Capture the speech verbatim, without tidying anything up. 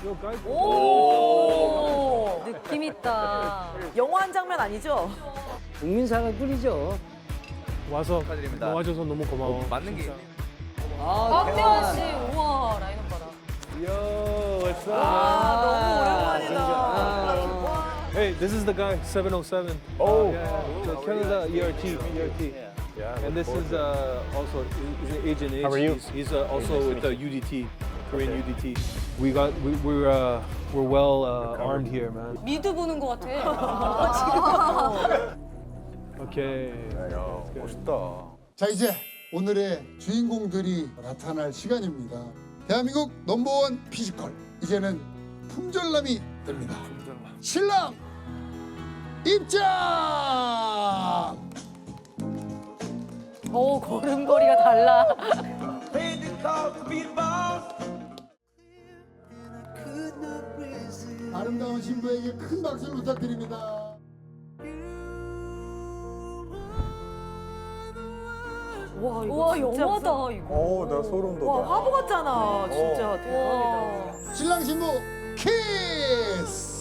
오, 느낌 있다. 영화 한 장면 아니죠? 국민상을 뿌리죠. 와서 축하드립니다. 도와줘서 너무 고마워. 어, 맞는 게 아, 박태환 씨, 우와, 라인 오빠다. Yo, what's up? 아, 너무 오랜만이다. Hey, this is the guy, seven oh seven. Oh, yeah, the Canada E R T, E R T. Yeah, and this is uh, also he's an agent. How are you? He's, he's uh, also with the U D T, Korean U D T. We got we, we're uh, we're well uh, armed here, man. 미드 보는 것 같아. Okay. 멋있다. 자, 이제 오늘의 주인공들이 나타날 시간입니다. 대한민국 넘버원 피지컬, 이제는 품절남이 됩니다. 신랑 입장! 오, 걸음걸이가 달라. 아름다운 신부에게 큰 박수를 부탁드립니다. 와, 이거 우와, 진짜 영화다, 무슨- 이거. 어, 나 소름 돋아. 와, 화보 같잖아. 진짜 대박이다. 와. 신랑 신부 키스!